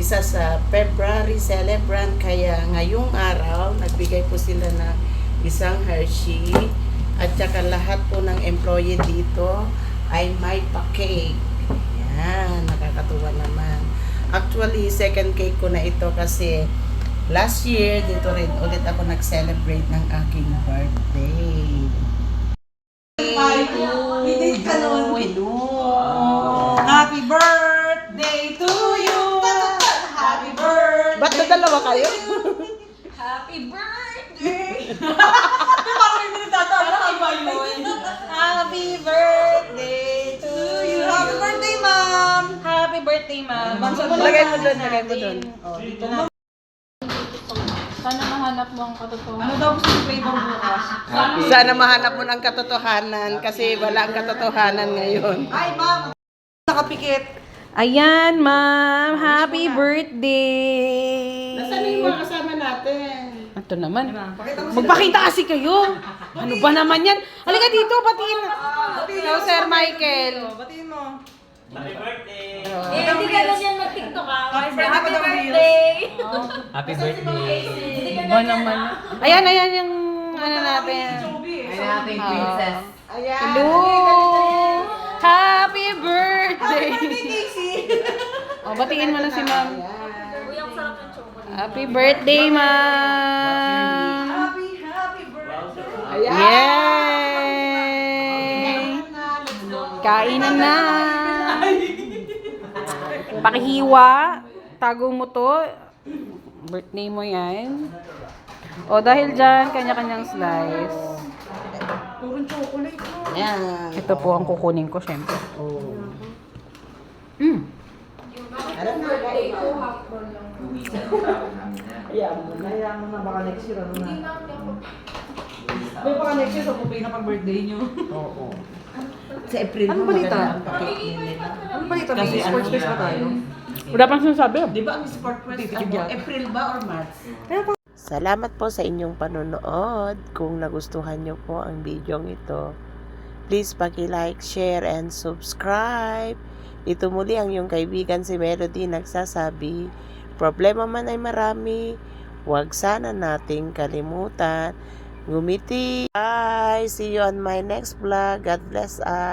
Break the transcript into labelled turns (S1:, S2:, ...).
S1: isa sa February celebrant. Kaya ngayong araw, nagbigay po sila ng isang Hershey. At saka lahat po ng employee dito ay may pa-cake. Yan, nakakatuwa naman. Actually, second cake ko na ito kasi last year, dito rin ulit ako nag-celebrate ng aking birthday.
S2: Happy birthday to you! Happy birthday!
S1: Ba't na dalawa kayo?
S2: Happy birthday! Parang may minatatawa ka ba yun? Happy birthday to you! Happy birthday, ma'am! Happy birthday, ma'am!
S1: Lagay mo doon, lagay mo doon.
S2: Oh, dito na. Sana mahanap mo ang katotohanan. Ano daw gusto yung flavor bukas?
S1: Sana mahanap mo ng katotohanan kasi wala ang katotohanan ngayon.
S2: Ay, ma'am! Nakapikit.
S3: Ayan, ma'am. Happy birthday!
S1: Nasaan yung mga kasama natin?
S3: Ito naman. Magpakita kasi kayo. Ano ba naman yan? Halika dito, batiin. Hello, Sir Michael.
S2: Batiin mo.
S4: Happy birthday!
S5: Hindi ka lang yan mag-tiktok ah.
S2: Happy
S5: Happy
S2: birthday.
S5: birthday!
S4: Happy birthday!
S5: Hindi ka
S3: Ba naman? Ayan, ayan yung ano natin.
S2: natin, princess.
S1: Ayan.
S3: Hello! Happy birthday! O, batiin mo na si ma'am.
S5: Uy, ang sarap ng chocolate.
S3: Happy birthday, ma'am!
S2: Happy birthday.
S3: Yay! Kainan na! Pakihiwa. Tago mo to. Birthday mo yan. O dahil dyan, kanya-kanyang slice.
S2: Purong chocolate mo.
S1: Ayan.
S3: Ito po ang kukunin ko, syempre.
S1: Oh.
S5: Alam mo, birthday ko, hapon lang.
S2: Hayaan mo na, baka next year ano na. May baka next year, so bupay na pang birthday nyo.
S1: Oo. Sa April
S2: Ano
S1: mo
S2: balita?
S1: maganda ang pa-cake nila.
S2: Ano ba ito? May sports fest ba tayo?
S3: Wala pang sinasabi.
S1: Di ba ang sport fest
S2: Titig
S1: ano,
S2: yan.
S1: April ba or March?
S6: Salamat po sa inyong panonood. Kung nagustuhan nyo po ang video ito, please paki-like, share, and subscribe. Ito muli ang iyong kaibigan si Melody nagsasabi, problema man ay marami, huwag sana nating kalimutan. Ngumiti. Bye! See you on my next vlog. God bless us.